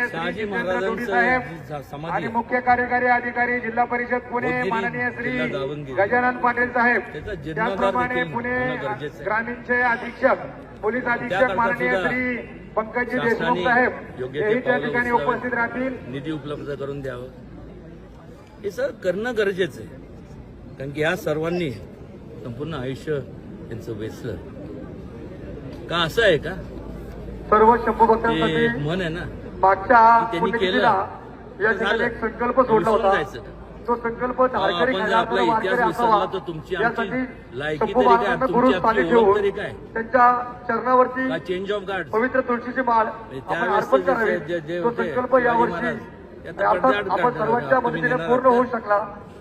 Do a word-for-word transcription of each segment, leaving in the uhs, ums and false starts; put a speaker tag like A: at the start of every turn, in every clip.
A: माननीय श्री
B: शहाजी
A: जितेंद्र जोडी
B: महाराजांचं
A: साहेब
B: जी समाधी
A: आणि
B: आहे,
A: मुख्य कार्यकारी अधिकारी जिल्हा परिषद पुणे
B: बोधगिरी,
A: माननीय श्री
B: जिल्हा दावणगिरी.
A: गजानन पाटील साहेब,
B: त्याचा जीर्णोद्धार
A: त्याचप्रमाणे
B: देखील
A: पुणे
B: होणं गरजेचं आहे.
A: ग्रामीणचे अधीक्षक पोलीस अधीक्षक
B: त्याकरता
A: माननीय
B: सुद्धा
A: श्री पंकजी
B: शासनाने
A: देशमुख साहेब
B: योग्य ते
A: हेही त्या
B: पावलं
A: ठिकाणी
B: उचलावीत.
A: उपस्थित राहतील.
B: निधी उपलब्ध करून द्यावं, हे सर करणं गरजेचं आहे. कारण की या सर्वांनी संपूर्ण आयुष्य त्यांचं वेचलं का, असं आहे का?
A: सर्व शंभू
B: ते
A: भक्तांसाठी
B: म्हण आहे ना,
A: मागच्या
B: त्यांनी
A: पुण्यतिथीला
B: केलं,
A: या ठिकाणी एक संकल्प सोडला
B: विसरून
A: होता.
B: जायचं.
A: तो संकल्प धारकरी
B: आपण जर आपला
A: खंडातून
B: इतिहास
A: वारकरी
B: विसरला
A: असावा
B: तर तुमची
A: यासाठी
B: आमची लायकी
A: शंभू
B: तरी काय,
A: महाराजांना
B: तुमची
A: गुरु
B: आमची
A: स्थानी
B: ओळख
A: ठेवून
B: तरी काय?
A: त्यांच्या चरणावरती
B: का चेंज ऑफ गार्ड
A: पवित्र तुळशीची माळ आपण
B: त्यावेळेस
A: अर्पण
B: जे-
A: करावी.
B: जे- जे
A: तो
B: होते,
A: संकल्प
B: शिवाजी
A: यावर्षी
B: महाराज, त्यात
A: अर्थात
B: पडद्याआड
A: आपण
B: काढणार
A: सर्वांच्या
B: आहात, तुम्ही
A: मदतीने
B: नेणार
A: पूर्ण
B: आहात
A: होऊ
B: का?
A: शकला.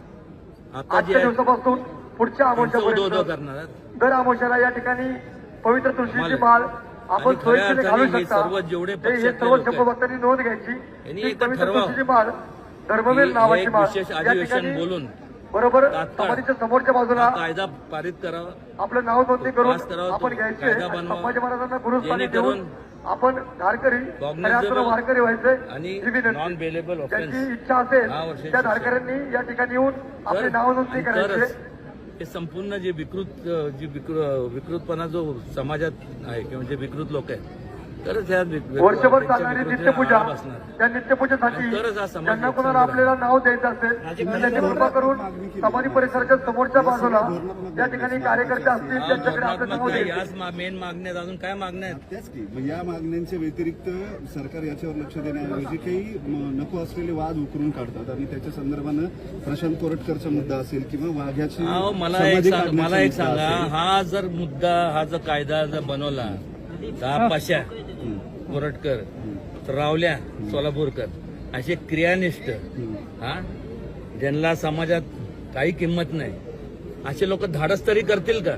B: आता जे
A: आजच्या दिवसापासून पुढच्या
B: उदो
A: आमोशापर्यंत
B: करणार आहात.
A: दर आमोशाला या ठिकाणी पवित्र तुळशीची
B: मला-
A: माळ आपण
B: आणि खऱ्या
A: सोयीस्कर घालू
B: अर्थाने हे
A: शकता.
B: सर्व जेवढे
A: ते हे
B: पक्षातले
A: सर्व
B: लोक
A: शंभू
B: आहेत,
A: भक्तांनी नोंद घ्यायची.
B: यांनी
A: ही
B: एक
A: पवित्र
B: ठरवावं.
A: तुळशीची माळ धर्मवीर
B: ही
A: नावाची
B: एक
A: माळ
B: विशेष
A: या
B: अधिवेशन
A: ठिकाणी
B: बोलून
A: बरोबर
B: तात्काळ
A: समाधीच्या समोरच्या बाजूला
B: हा कायदा पारित करावा,
A: आपलं नाव नोंदणी करून
B: पास करावा,
A: आपण
B: तो
A: घ्यायचे
B: कायदा
A: आणि
B: बनवावा.
A: संभाजी महाराजांना गुरुस्थानी
B: जेणेकरून
A: देऊन आपण धारकरी
B: cognizable
A: खऱ्या अर्थानं वारकरी व्हायचे
B: आणि
A: ही विनंती.
B: नॉन बेलेबल ऑफेन्स
A: ज्यांची इच्छा असेल
B: दहा वर्षाची
A: त्या
B: शिक्षा.
A: धारकऱ्यांनी या ठिकाणी येऊन आपली नाव नोंदणी करायची.
B: तरच हे संपूर्ण जे विकृत जी विकृ- विकृतपणा जो समाजात आहे किंवा जे विकृत लोक आहेत, तरच ह्या विक-
A: वर्षभर
B: त्यांच्या
A: चालणारी
B: विकृतीला
A: नित्यपूजा
B: आळा बसणार.
A: त्या नित्यपूजेसाठी
B: आणि तरच हा समाज
A: ज्यांना
B: एक
A: कोणाला
B: सुंदर
A: आपल्याला नाव द्यायचं असेल तर त्यांनी कृपा करून समाधी परिसराच्या समोरच्या बाजूला या ठिकाणी कार्यकर्ते असतील
B: हा,
A: त्यांच्याकडे आपलं नाव
B: धोरणात्मक काय,
A: द्यायचं.
B: याच मेन मागण्यात अजून काय मागण्या आहेत?
C: त्याच की मग या मागण्यांच्या व्यतिरिक्त सरकार याच्यावर लक्ष देण्याऐवजी काही म, नको असलेले वाद उकरून काढतात आणि त्याच्या संदर्भानं प्रशांत कोरटकरचा मुद्दा असेल किंवा वाघ्याची
B: अहो, मला एक
C: समाधी
B: सांग-
C: काढण्याचा
B: मला एक
C: मुद्दा
B: सांगा,
C: असेल.
B: हा जर मुद्दा हा जर कायदा जर बनवला तर हा पाशा
C: हं,
B: कोरटकर,
C: हं,
B: रावल्या सोलापूरकर असे क्रियानिष्ठ,
C: हं.
B: हा ज्यांना समाजात काही किंमत नाही, असे लोक धाडस तरी करतील का?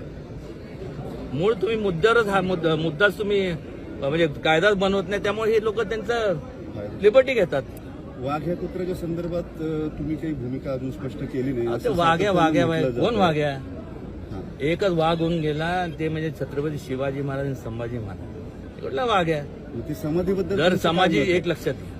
B: मूळ तुम्ही मुद्द्यावरच हा मुद्दा मुद्दाच तुम्ही म्हणजे कायदाच बनवत नाही, त्यामुळे हे लोक त्यांचं लिबर्टी घेतात.
C: वाघ्या कुत्र्याच्या संदर्भात अ, तुम्ही काही भूमिका अजून स्पष्ट केली नाही
B: ते
C: असं
B: वाघ्या
C: सातत्यानं
B: वाघ्या
C: म्हटलं जातं.
B: कोण वाघ्या?
C: हां.
B: एकच वाघ होऊन गेला आणि ते म्हणजे छत्रपती शिवाजी महाराज आणि संभाजी महाराज. कुठला वाघ आहे?
C: मग ती समाधीबद्दल
B: जर
C: तुमचं काय
B: समाजी
C: मत आहे?
B: एक लक्षात घ्या.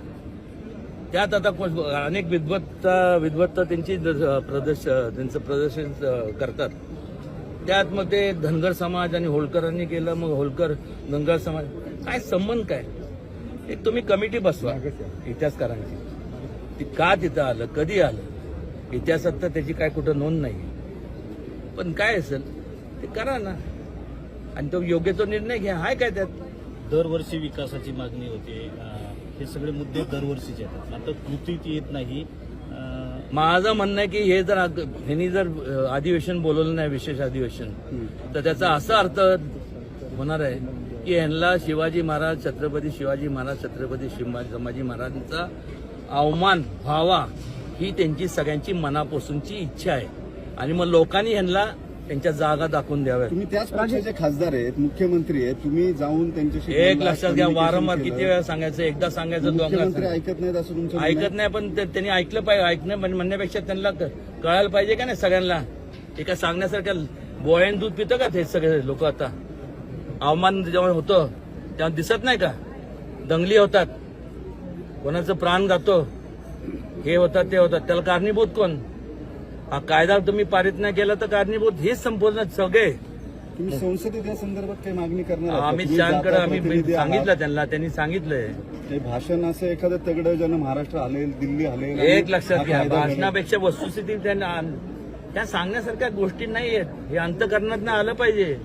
B: त्यात आता कोण- अनेक विद्वत्ता विद्वत्ता त्यांची द- प्रदर्श त्यांचं प्रदर्शन अ, करतात. त्यात मग ते धनगर समाज आणि होळकरांनी केलं, मग होळकर धनगर समाज काय संबंध काय? एक तुम्ही कमिटी बसवा इतिहासकारांची, ती का तिथं आलं, कधी आलं, इतिहासात तर त्याची काय कुठं नोंद नाही. पण काय असेल ते करा ना, आणि तो योग्य तो निर्णय घ्या. हाय काय त्यात?
D: दरवर्षी विकासाची मागणी होते. अं, हे सगळे मुद्दे दरवर्षीचे येतात. आता कृतीत येत नाही. अं,
B: माझं म्हणणं आहे की हे जर अग- ह्यांनी जर अ, अधिवेशन बोलवलं नाही, विशेष अधिवेशन,
C: हं.
B: तर त्याचा असा अर्थ होणार आहे की ह्यांना शिवाजी महाराज, छत्रपती शिवाजी महाराज, छत्रपती शिवाजी संभाजी महाराजांचा अवमान व्हावा ही त्यांची सगळ्यांची मनापासूनची इच्छा आहे. आणि मग लोकांनी ह्यांना त्यांच्या जागा दाखवून द्याव्यात.
C: तुम्ही त्याच पक्षाचे खासदार आहेत, मुख्यमंत्री आहेत, तुम्ही जाऊन त्यांच्याशी
B: एक
C: बोललात,
B: लक्षात घ्या,
C: communication
B: वारंवार
C: केलं.
B: किती वेळा सांगायचं, एकदा सांगायचं, दोनदा
C: मुख्यमंत्री
B: सांगायचं.
C: ऐकत नाहीत असं तुमचं म्हणणं आहे?
B: ऐकत नाही, पण ते- त्यांनी ऐकलं पाहिजे. ऐकणं म्हण- म्हणण्यापेक्षा त्यांना क- कळायला पाहिजे का नाही सगळ्यांना. एका सांगण्यासारख्या बोळ्यान दूध पितं का ते सगळे लोक? आता अवमान जेव्हा होतं तेव्हा दिसत नाही का? दंगली होतात, कोणाचं प्राण जातो, हे होतात ते होतात, त्याला कारणीभूत कोण? हा कायदा तुम्ही पारित नाही केला तर कारणीभूत हेच संपूर्ण सगळे.
C: तुम्ही संसदेत या संदर्भात काही मागणी करणार आहात का?
B: अमित
C: तुम्ही
B: शहाकडे
C: जाता
B: आम्ही
C: प्रतिनिधी आहात.
B: सांगितलं त्यांना, त्यांनी सांगितलंय.
C: काही भाषण असं एखादं तगडं ज्यानं महाराष्ट्र हलेल, दिल्ली हलेल आणि
B: एक लक्षात
C: हा
B: घ्या,
C: कायदा घडेल.
B: भाषणापेक्षा वस्तुस्थिती त्यांना त्या सांगण्यासारख्या गोष्टी नाही आहेत. हे अंतकरणात आलं पाहिजे.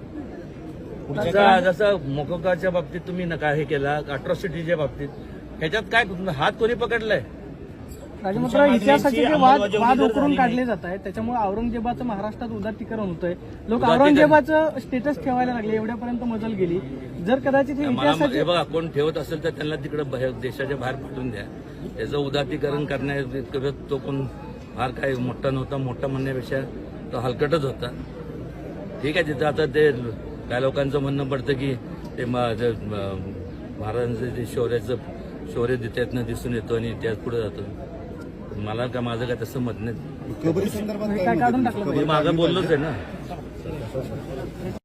B: जसं जसं मोकोकाच्या बाबतीत तुम्ही नका हे केला, अट्रॉसिटीच्या बाबतीत, ह्याच्यात काय हात कोणी पकडलाय?
E: राजमुद्रा इतिहासाचे जे वाद वाद उकरून काढले जात आहेत, त्याच्यामुळे औरंगजेबाचं महाराष्ट्रात उदात्तीकरण होतंय. लोक
B: उदात्तीकरण-
E: औरंगजेबाचं स्टेटस ठेवायला लागले, एवढ्यापर्यंत मजल गेली. जर कदाचित हे
B: मला
E: इतिहासाचे
B: हे बघा, कोण ठेवत असेल तर त्यांना तिकडे देशाच्या बाहेर पाठवून द्या. त्याचं उदात्तीकरण करण्या तो कोण फार काही मोठा नव्हता. मोठा म्हणण्यापेक्षा तो हलकटच होता. ठीक आहे, तिथं आता ते काय लोकांचं म्हणणं पडतं की ते म- जे, म- महाराजांचं जे शौर्याचं शौर्य त्यातनं दिसून येतो आणि इतिहास पुढे जातो. मला काय, माझं काय तसं मत नाही.
C: कबरी संदर्भात काय
E: काय
C: मत आहे
E: काढून
C: तुमचं?
E: टाकलं
C: कबरी
B: मी मागं
C: काढली
B: बोललोच
C: पाहिजे.
B: आहे ना.